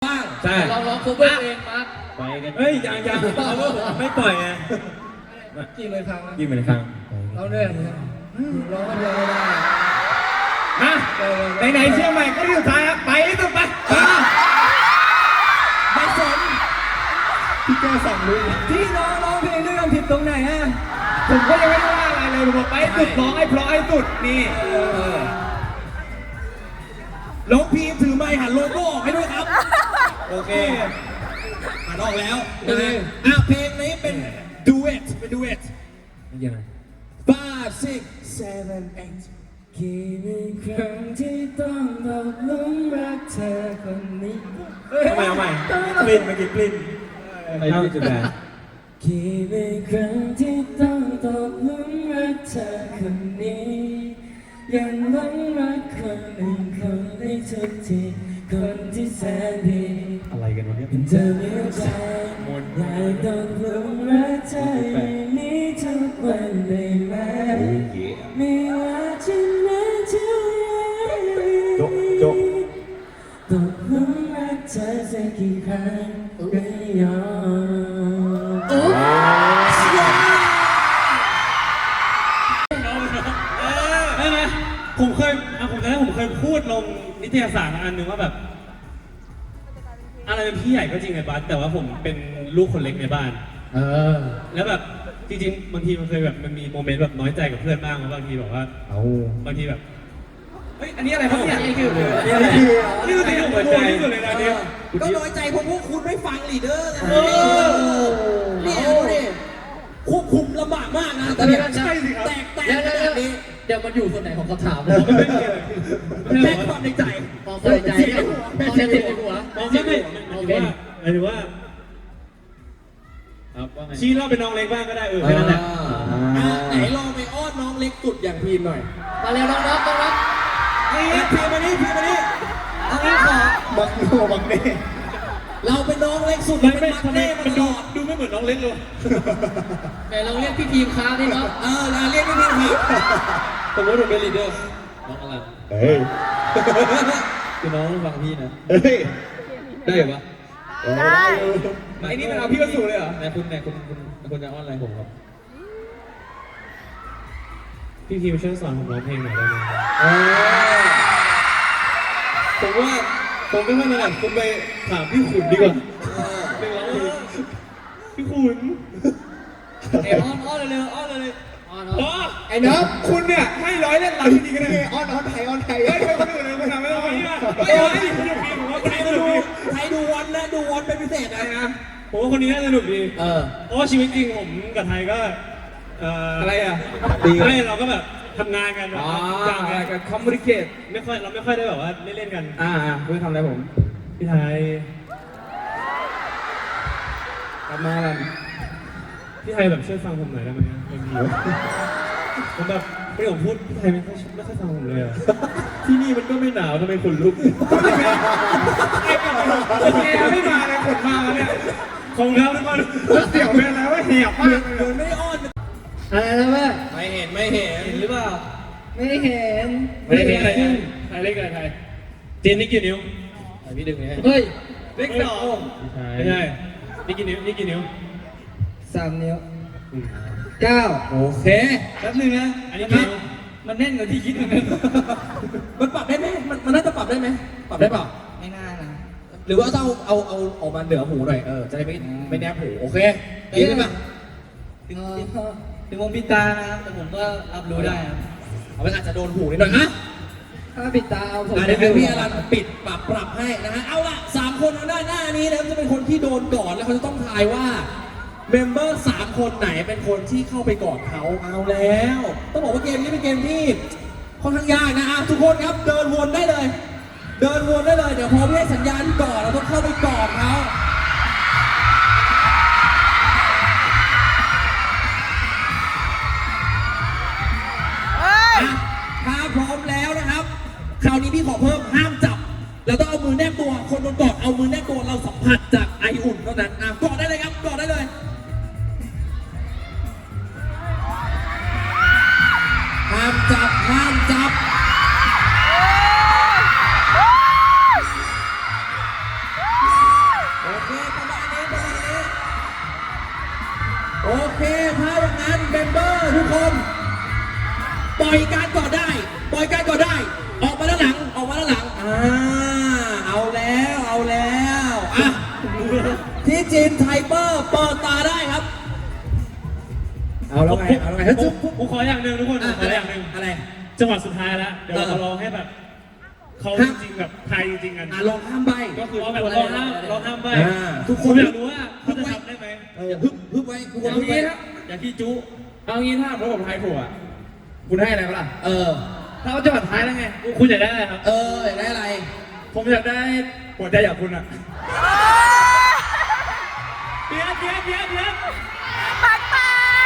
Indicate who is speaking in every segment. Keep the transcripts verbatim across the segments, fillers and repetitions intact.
Speaker 1: บ้าง
Speaker 2: ใช่
Speaker 3: เราร้องคูเวอร์เองมา
Speaker 2: ไปกันเฮ้ยยังยังไม่ปล่อยไง
Speaker 1: กี่เลยครั้ง
Speaker 2: กี่เหมือนครั้ง
Speaker 1: เราเนี่ยร้องคนเดียวไม่ได้
Speaker 2: มาไหนๆเชื่อใหม่ก็ที่สุดท้ายครับไปที่สุดไป
Speaker 1: ไม่สน
Speaker 2: พี่แกสั่งเลย
Speaker 1: ที่น้องร้องเพลงด้วยกันผิดตรงไหนฮะ
Speaker 2: ผมก็ยังไม่ได้ว่าอะไรเลยผมบอกไปสุดร้องให้เพราะให้สุดนี่
Speaker 1: น้องพีถือไมค์หันโลโก้ออกให้ด้วยครับ
Speaker 2: โอเค
Speaker 1: หันออกแล้วอ่ะเพลงนี้เป็นดูเอทเป็นดูเอท
Speaker 2: ยังไง
Speaker 1: five six seven eight กี่เป็นครั้งที่ต้องตกหลุมรักเธอคนนี้
Speaker 2: เอาใหม่เอาใหม่กลิ่นเมื่อกี้กลิ่นไอ้ที่จุดแดง
Speaker 1: กี่เป็นครั้งที่ต้องตกหลุมรักเธอคนนี้ยังหลงรักคนอื่นคนได้ทุกทีคนที่แสนดี
Speaker 2: อะไรกันวะเนี่ย
Speaker 1: เป็นเธอเหมือนใจอยากต้องหลงรักเธออย่างนี้ทุกวันได้ไหมไม่ว่าจะนานเท่าไร
Speaker 2: จบจบ
Speaker 1: ตกหลุมรักเธอสักกี่ครั้งก็ยอมโอ้
Speaker 2: ผมเคยผมจำได้ผมเคยพูดลงนิตยสารอันหนึ่งว่าแบบอะไรเป็นพี่ใหญ่ก็จริงไงบัสแต่ว่าผมเป็นลูกคนเล็กในบ้านเออแล้วแบบจริงๆบางทีมันเคยแบบมันมีโมเมนต์แบบน้อยใจกับเพื่อนบ้างบางทีแบบว่าเอาบางทีแบบเฮ้ยอันนี้อะไรครับเนี่ยนี่คือนี่อะไรนี่คือสิ่งที่ผมใจที่สุดเลยนะเนี่ย
Speaker 1: ก็น้อยใจเพราะพวกคุณไม่ฟังลีดเดอร์ไงนี่ดูดิควบคุมลำบากมากนะแต่เนี่ย
Speaker 2: ใช่สิครับ
Speaker 1: แตกแตกขนาดนี้
Speaker 3: เดี๋ยวมันอยู่ส่วนไหนของคำถาม
Speaker 1: เลยแม่ความในใจ
Speaker 3: ความในใจความในใจหัว
Speaker 2: ไม่ไม่โอเคหมายถึงว่าชี้เราเป็นน้องเล็กบ้างก็ได้เออแค่นั้นแหละ
Speaker 1: ไหนลองไปอ้อนน้องเล็กสุดอย่างพีมหน่อย
Speaker 3: มาเร็วน้องๆน้อง
Speaker 1: ๆนี่พีมมานี่พีมมานี่เอางี้ขอ
Speaker 2: บักโนบักเน่
Speaker 1: เราเป็นน้องเล็กสุดเราเป็นบักเน่มาตลอด
Speaker 2: ดูไม่เหมือนน้องเล็กเลย
Speaker 3: แต่เราเรียกพี่ทีมค้าดิเนาะ
Speaker 1: เออเราเรียกพี่ทีมครับ
Speaker 3: ผมว่าผมเป็นลีดเดอร์น้องอะไร
Speaker 2: เฮ้ย
Speaker 3: คือน้องฟังพี่นะ
Speaker 2: เฮ้ย
Speaker 3: ได้เหรอ
Speaker 2: ได้ไอ้นี่มันเอาพี่ก็สูเลยเหรอ
Speaker 3: ไหนคุณไหนคุณคุณคุณจะอ้อนอะไรผมครับ
Speaker 2: พี่ทีมช่วยสอนผมร้องเพลงหน่อยได้ไหม
Speaker 3: ผมว่าผมไม่ค่อยถนัดคุณไปถามพี่ขุนดีกว่า
Speaker 2: เพลงร้องเพลงพี่ขุน
Speaker 3: เอ้อ้อนอ้อนเลยอ้อนเลยอ้อนอ้อน
Speaker 2: ไอ้น้องคุณเนี่ยให้ร้อยเล่นหลังจริงๆกันเลย
Speaker 1: อ้อนอ้อนไทยอ้อนไทย
Speaker 2: เฮ้ยคนอื่นเลยคนทำไม่ต้องนี่นะเฮ้ยสนุกดีผมว่าคนนี้สนุกดี
Speaker 1: ใครดูวันนะดูวันเป็นพิเศษอะไรนะ
Speaker 2: ผมว่าคนนี้น่าสนุกดี
Speaker 1: เออ
Speaker 2: เพราะว่าชีวิตจริงผมกับไทยก็
Speaker 1: อะไรอ่ะ
Speaker 2: ไม่เราก็แบบทำงานกันแบบ
Speaker 1: จ้างกันกันคอมมูนิเคต
Speaker 2: ไม่ค่อยเราไม่ค่อยได้แบบว่าเล่นๆกัน
Speaker 1: อ่าคุณทำอะไรผม
Speaker 2: พี่ไทย
Speaker 1: กลับมาแล้ว
Speaker 2: พี่ไทยแบบช่วยฟังผมหน่อยได้ไหมบางทีผมแบบไม่ผมพูดพี่ไทยไม่ค่อยไม่ค่อยฟังผมเลยอะที่นี่มันก็ไม่หนาวทำไมขนลุกไอ้กับแกไม่มาเลยขนมาแล้วเนี่ยของเขาทุกคนเสี่ยวเป็นแล้วว่าเหี่ยวมาก
Speaker 1: เหมือนไม่ได้อ้อน
Speaker 3: อะไรนะแม่
Speaker 1: ไม่เห็นไม่เห็น
Speaker 3: หรือเปล่า
Speaker 1: ไม่เห็น
Speaker 2: ไม่เห็นอะไรไทยเล็กอะไรไทยเจนนี่กี่นิ้ว
Speaker 3: พี่ดึงไงเฮ้ย
Speaker 1: เล็กสอง
Speaker 2: ไม่ใช่นี่กี่นิ้วนี่กี่นิ้ว
Speaker 1: สามนิ้วเก้าโอเคแป๊บนึงนะ
Speaker 2: อันนี้นิ้ว
Speaker 1: มันแน่นกว่าที่คิดเหมือนกันมันปรับได้ไหมมันมันน่าจะปรับได้ไหมปรับได้เปล่าไม่น่านะหรือว่าเอาเอาเอาออกมาเหนือหูหน่อยเออจะได้ไม่ไม่แนบหูโอเคดีไหม
Speaker 3: ถึงถึงวงปิดตานะครับแต่ผมก็รับรู้ได้ครับ
Speaker 1: เอาไปอาจจะโดนหูนิดหน่อยนะ
Speaker 3: ถ้าปิดตาเอาผม
Speaker 1: เดี๋ยวพี่อลันปิดปรับปรับให้นะฮะเอาละสามคนทางด้านหน้านี้นะครับจะเป็นคนที่โดนก่อนแล้วเขาจะต้องทายว่าเมมเบอร์สามคนไหนเป็นคนที่เข้าไปก่อนเขาเอาแล้วต้องบอกว่าเกมนี้เป็นเกมที่ค่อนข้างยากนะอ่ะทุกคนครับเดินวนได้เลยเดินวนได้เลยเดี๋ยวพอพี่ให้สัญญาณก่อนเราต้องเข้าไปก่อนเขาถ้าพร้อมแล้วนะครับคราวนี้พี่ขอเพิ่มห้ามจับเราต้องเอามือแนบตัวคนโดนกอดเอามือแนบตัวเราสัมผัสจากไออุ่นเท่านั้นอ่ะกอดได้เลยครับกอดได้เลยห้ามจับห้ามจับโอเคถ้าอย่างนั้นเมมเบอร์ทุกคนปล่อยการก่อนได้ปล่อยการก่อนได้ ออกมาด้านหลังออกมาด้านหลังอ่าเอาแล้วเอาแล้วอ่ะที่จีนไทเปอร์เปิดตาได้ครับเอาแล้วไงเอาแล้วไง
Speaker 2: ผ
Speaker 1: เฮ้ย
Speaker 2: มผมผมขออย่างหนึ่งทุกคนผมขออย่างหนึ่ง
Speaker 1: อะไร
Speaker 2: จังหวะสุดท้ายแล้วเดี๋ยวเรา
Speaker 1: เออ
Speaker 2: ลองให้แบบเขาจริงๆแบบไทยจริงๆกัน
Speaker 1: อ่ะลองข้ามใบ
Speaker 2: ก็คือว่าแบบลองห้ามลองห้ามใบ
Speaker 1: อ่าทุ
Speaker 2: ทุ
Speaker 1: ก
Speaker 2: ก
Speaker 1: ค
Speaker 2: คน นอยากรู้ว่าเขาจะทำได้ไหม
Speaker 1: เออฮึบฮึบไว้ทุกคน
Speaker 3: เอา
Speaker 1: ฮึบไว้
Speaker 3: งี้ครับอย่าขี้จุ
Speaker 4: เอางี้ถ้าผมผมทายถูกอ่ะคุณให้อะไรก็ล่ะ
Speaker 1: เออ
Speaker 4: ถ้าเขาจังหวัดท้ายแล้วไง
Speaker 2: คุณอยากได้อะไรครับ
Speaker 1: เอออยากได้อะไร
Speaker 4: ผมอยากได้หัวใจอยากคุณอ่ะ
Speaker 2: เดี๋ยวเดี๋ยวเดี๋ยวเดี๋ยว
Speaker 1: แปลกแปล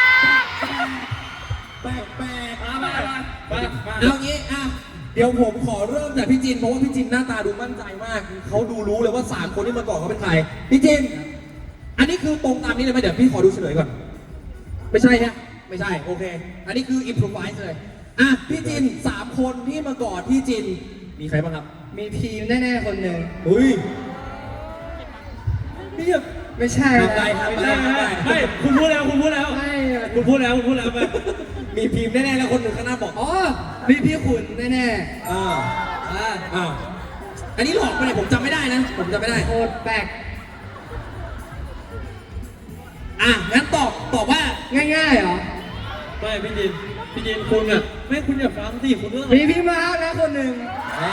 Speaker 1: ก
Speaker 4: มามามามามา
Speaker 1: เอางี้อ่ะเดี๋ยวผมขอเริ่มจากพี่จินเพราะว่าพี่จินหน้าตาดูมั่นใจมากเขาดูรู้เลยว่าสามคนที่มาก่อนเขาเป็นใครพี่จินอันนี้คือตรงตามนี้เลยไหมเดี๋ยวพี่ขอดูเฉลยก่อน ไม่ใช่ฮะไม่ใช่โอเค อันนี้คืออิมพรไวส์เลยอ่ะพี่จินสามคนที่มาก่อนพี่จินมีใครบ้างครับ
Speaker 3: มีพีมแน่ๆคนหนึ่ง
Speaker 1: อุ้ย
Speaker 3: พี่แบบไม่ใช่
Speaker 1: ทำไรทำไรทำไร
Speaker 2: ไม่คุณพูดแล้วคุณพูดแล้ว
Speaker 3: ไม่
Speaker 2: คุณพูดแล้วคุณพูดแล้วไป
Speaker 1: มีพิมพ์แน่ๆแล้วคนหนึ่งข้างหน้าบอกอ๋อ
Speaker 3: อ๋อมีพี่ขุนแน่
Speaker 1: อ่า
Speaker 3: ๆอ่า
Speaker 1: อ้าวอันนี้หลอกไปเลยผมจำไม่ได้นะ ผมจำไม่ได้
Speaker 3: โคตรแปลก
Speaker 1: อ่ะงั้นตอบตอบว่า
Speaker 3: ง่ายๆเหรอ
Speaker 2: ไม่พี่จินพี่จินคุณอ่ะไม่คุณอย่าฟังสิคุณเรื่อง
Speaker 3: มีพี่มาร์คนะคนหนึ่ง
Speaker 1: อ่า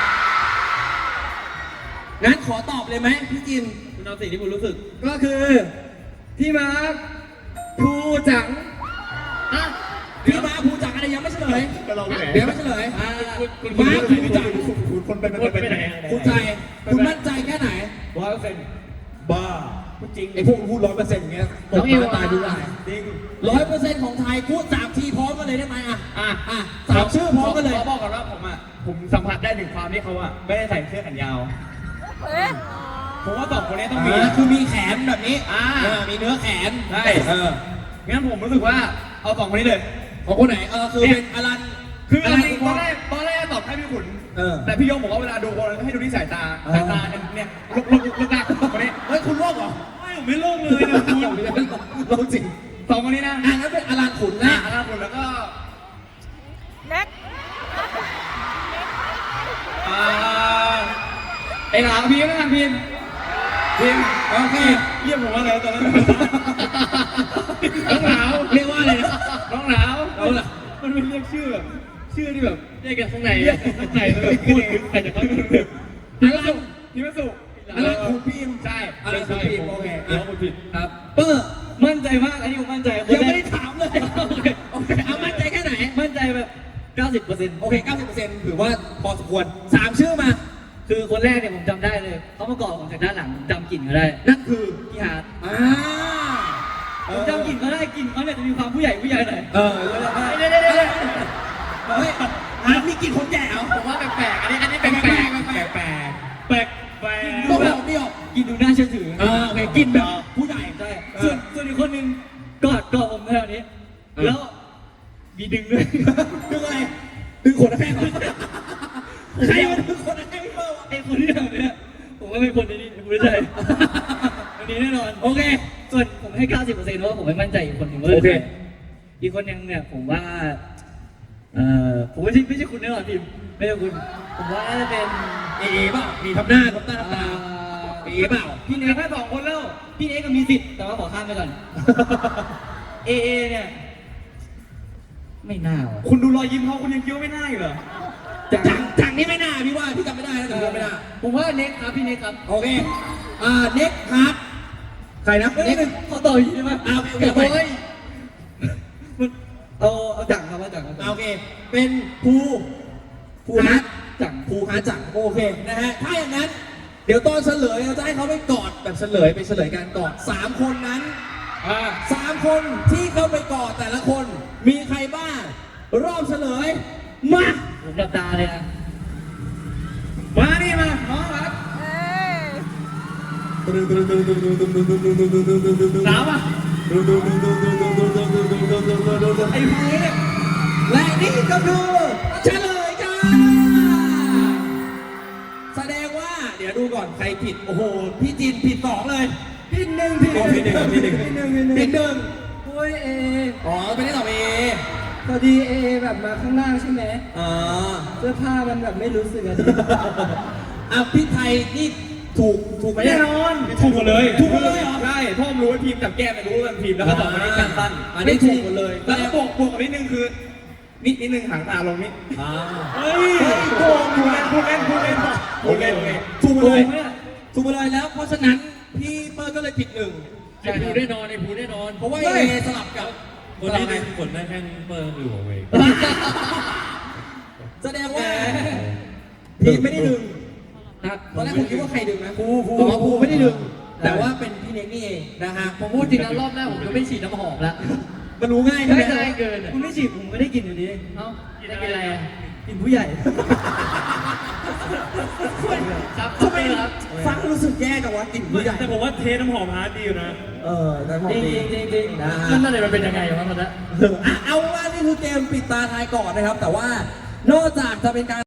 Speaker 1: งั้นขอตอบเลยไหมพี่จิน
Speaker 2: คุณเอาสิ่งที่คุณรู้สึก
Speaker 3: ก็คือพี่มาร์คภูจังอ่ะ
Speaker 1: พี่มาภูจักรอะไรยังไม่เฉลย
Speaker 4: ก็ลองไปไหน
Speaker 1: เดี๋ยวไม่เฉลย
Speaker 3: อ่า
Speaker 2: คุณคุณ
Speaker 1: มา
Speaker 2: คุณ
Speaker 1: ภูจักร
Speaker 4: คุณคนเป็น
Speaker 2: คุณไปไหน
Speaker 1: คุณใจคุณมั่นใจแค่ไหน
Speaker 3: ร้อยเปอร์เซ็นต์
Speaker 4: บ้า
Speaker 1: จริงไอ้พวกพูดร้อยเปอร์เซ็นต์อย่างเงี้ย
Speaker 3: น้องเอว
Speaker 1: ตายดูได้
Speaker 4: จริง
Speaker 1: ร้อยเปอร์เซ็นต์ของไทยพูดสามทีพร้อมกันเลยได้ไหมอ่ะ
Speaker 4: อ่ะ
Speaker 1: อ่ะสามชื่อพร้อมกันเลย
Speaker 4: ขอบอกก่อนว่าผมอ่ะผมสัมผัสได้ถึงความที่เขาอ่ะไม่ได้ใส่เสื้อแขนยาวผมว่าสองคนนี้ต้องมี
Speaker 1: อ่าคือมีแขนแบบนี้
Speaker 4: อ่า
Speaker 1: เออมีเนื้อแขน
Speaker 4: ใช่
Speaker 1: เออ
Speaker 4: งั้นผมรู้สึกว่าเอาสองคนนี้เลย
Speaker 1: ของคนไหนเออคือเป็นอลัน
Speaker 4: คืออะไร
Speaker 1: น
Speaker 4: ตอนแรกตอนแรกตอบให้พี่ขุน
Speaker 1: เออ
Speaker 4: แต่พี่โยงบอกว่าเวลาดูคนให้ดูที่สายตา
Speaker 1: อ่า
Speaker 4: สายตาเนี่ยลุกลุกลุกลากคนนี้
Speaker 1: เฮ้ยคุณโลกเหรอ
Speaker 2: ไม่ผมไม่โล่งเลยนะคุณ
Speaker 1: โลกจริง
Speaker 4: สองคนนี้นะ
Speaker 1: อ่ะงั้นเป็นอลันขุน
Speaker 4: อ่า
Speaker 1: นะ
Speaker 4: แล้วขุนแล้วก็
Speaker 5: เล็ก
Speaker 4: อ่าเอกหลามพิมพ์นะครับพิมพ์พิมพ์
Speaker 1: โอเค
Speaker 2: เรียกผมว่าอะไรตอนนั้น
Speaker 4: น้องหนาว
Speaker 1: เรียกว่าอะไรนะ
Speaker 4: น้องหนาว
Speaker 1: เอาล่ะ
Speaker 2: มันเป็นเรียกชื่อแบบชื่อที่แบบ
Speaker 4: เรียกกันข้างใน
Speaker 2: เรียกข้างในแล้วแบบพูดถึงใครจะเข้าถึง
Speaker 4: พิมพ์สุพิมพ์สุ
Speaker 1: อลันขุนพิมพ์
Speaker 4: ใช่
Speaker 1: อลันขุนพิมพ์โอเค
Speaker 2: เดี๋ยว
Speaker 1: อ่ะ
Speaker 2: คุณผิด
Speaker 4: ครับ
Speaker 1: เปอร์
Speaker 4: มั่นใจมากอันนี้ผมมั่นใจ
Speaker 1: ยังไม่ได้ถามเลยโอเคเอามั่นใจแค่ไหน
Speaker 4: มั่นใจแบบเก้าสิบเปอร์เซ็นต์
Speaker 1: โอเค เก้าสิบเปอร์เซ็นต์ ถือว่าพอสมควรสามชื่อมา
Speaker 3: คือคนแรกเนี่ยผมจำได้เลยเขามาเกาะผมจากด้านหลังผมจำกลิ่นเขาได้
Speaker 1: นั่นคือ
Speaker 3: พี่ฮาร์ด
Speaker 1: อ่า
Speaker 3: ผมจำกลิ่นเขาได้กลิ่นเขาเนี่ยจะมีความผู้ใหญ่ผู้ใหญ่หน่อย
Speaker 1: เออ
Speaker 3: เดี๋ยวเดี๋ยวเดี๋ยวเดี๋ยว
Speaker 1: เฮ้ยฮาร์ดมีกลิ่นคนแก่เหรอ
Speaker 4: ผมว่าแปลกๆอันนี้อันนี้
Speaker 1: แป
Speaker 4: แป
Speaker 1: ล
Speaker 4: ล
Speaker 1: ก
Speaker 4: ก
Speaker 1: แปลกแปลก
Speaker 2: แปลกแปลก
Speaker 1: ไม่ออกไม่ออก
Speaker 3: กลิ่นดูน่าเชื่อถือ
Speaker 1: เออโอเคกลิ่นแบบผู้ใหญ่
Speaker 3: ใช่
Speaker 1: เอ
Speaker 3: ส่ว
Speaker 1: อน
Speaker 3: ส่วนอีกคนหนึ่งกอดกอดผมแถวนี้ แล้วมีดึงด้วย
Speaker 1: ดึงอะไร ดึงขนแข้งเหรอใครมาดึงขนแข้งพี่เปิ้ลวะ
Speaker 3: ไอ้คนที่ทำเนี่ยผมว่าเป็นคนในนี้ผมไม่ใช่อันนี้แน่นอน
Speaker 1: โอเค
Speaker 3: ส่วนผมให้ เก้าสิบเปอร์เซ็นต์ เพราะว่าผมไม่มั่นใจอีกคนหนึ่งว่า
Speaker 1: โอเค
Speaker 3: อีกคนหนึงเนี่ยผมว่า เอ่อ ผมไม่ใช่ไม่ใช่คุณแน่นอนพิมพ์ไม่ใช่คุณ ผมว่าน่าจะเป็น
Speaker 1: เอเอเปล่ามีทำหน้าทำตาทำตา
Speaker 3: เอ่อ
Speaker 1: เอเอเปล่า
Speaker 3: พี่เนยแค่สองคนแล้ว พี่เนยก็มีสิทธิ์ แต่ว่าขอข้ามไปก่อน เอเอเนี่ย ไม่น่าว่ะ
Speaker 4: คุณดูรอยยิ้มเขาคุณยังคิดว่าไม่น่าอยู่เหรอ
Speaker 3: จัง
Speaker 1: จังจังนี่ไม่น่าพี่ว่าพี่จำไม่ได้นะจำไม่ได้
Speaker 3: ผมว่าเน็กครับพี่เน็กครับ
Speaker 1: โอเค อ่า เน็กฮาร์ดใครนะ
Speaker 3: เน็
Speaker 1: เน็
Speaker 3: ก
Speaker 1: ก
Speaker 3: ขอต่ออีกได้ไหม
Speaker 1: เอาเอาเอา
Speaker 3: โอ้ยมันเอาเอาจังครับเอาจังครับ
Speaker 1: อ่าโอเค เป็นภูภูฮาร์ด
Speaker 3: จัง
Speaker 1: ภูฮาร์ดจังโอเคนะฮะ ถ้าอย่างนั้น เดี๋ยวตอนเฉลยเราจะให้เขาไปกอดแบบเฉลยไปเฉลยกันกอดสามคนนั้น
Speaker 4: อ่า
Speaker 1: สามคนที่เข้าไปกอดแต่ละคน มีใครบ้าง รอบเฉลย มา
Speaker 3: ผมดับตาเลยนะ
Speaker 4: มานี่มาน้องครับ
Speaker 5: เอ้ย
Speaker 4: หนาวอ่ะ
Speaker 1: ไอ้พวกนี้เนี่ยและนี่ก็คือเฉลยจ้าแสดงว่า เดี๋ยวดูก่อนใครผิด โอ้โห พี่จินผิดสองเลย
Speaker 3: พี่หนึ่งพี่
Speaker 1: อ๋อผิดหนึ่งผิดหนึ่ง
Speaker 3: พี่หนึ่งพี่หนึ่ง
Speaker 1: ผิดหนึ่ง
Speaker 3: โอ้ยเอ
Speaker 1: อ๋อเป็นที่ตอบเอ
Speaker 3: พอดีเอแบบมาข้างล่างใช่ไหม
Speaker 1: อ่า
Speaker 3: เสื้อผ้ามันแบบไม่รู้สึกอะดิ
Speaker 1: อ่ะพี่ไทยนี่ถูกถูกไหม
Speaker 4: แน่นอน
Speaker 2: ถูกหมดเลย
Speaker 1: ถูกหมดเลยเหรอ
Speaker 4: ใช่พ่อผมรู้ว่าพิมพ์จับแก้มไม่รู้ว่าพิมพ์แล้วก็บอกว่านี่การสั้น
Speaker 1: อันนี้ถูกหมดเลย
Speaker 4: แล้วก็บวกบวกกับนิดนึงคือนิดนิดนึงหางตาลงนิด
Speaker 1: อ่า
Speaker 2: เฮ้ย
Speaker 4: โกงพูดเล่นพูดเล่นพูดเล่นพูดเล่นพูดเล่น
Speaker 1: ถูกหมดเลย
Speaker 3: โกงเนี่ย
Speaker 1: ถูกหมดเลยแล้ว เพราะฉะนั้นพี่เปิ้ลก็เลยผิดหนึ่ง
Speaker 2: ไอ้ภูแน่นอนไอ้ภูแน่นอน
Speaker 1: เพราะว่าเอสลับกับ
Speaker 2: คนที่ได้ผลได้แค่เปิร์อยู่ของเวง
Speaker 1: แสดงว่าพี่ไม่ได้ดึงตอนแรกผมคิดว่าใครดึงนะภูภูอ๋อภูไม่ได้ดึง แต่ว่าเป็นพี่เน็กนี่เองนะฮะ
Speaker 3: ผมพูดจริงนะรอบแรกผมก็ไม่ฉีดน้ำหอมแล้ว
Speaker 1: มันรู้ง่ายใช่ไหม
Speaker 3: ไม่ได้เกินคุณไม่ฉีดผมไม่ได้กินอยู่ดีเอ้าได้กินอะไรอ่ะกินผู้ใหญ่ครับ
Speaker 1: ทำไมฟังรู้สึกแย่กับว่ากลิ่นผู้ใหญ่
Speaker 2: แต่ผมว่าเทน้ำหอมฮาร์ดดีอยู่นะ
Speaker 1: เออแต่ผม
Speaker 3: จริง
Speaker 1: ดี
Speaker 3: จริงจริง
Speaker 1: นะฮะ
Speaker 3: นั่นนั่นเลยมันเป็นยังไงวะตอนนั้น
Speaker 1: อ่ะเอาว่านี่คือเกมปิดตาทายก่อนนะครับ แต่ว่านอกจากจะเป็นการ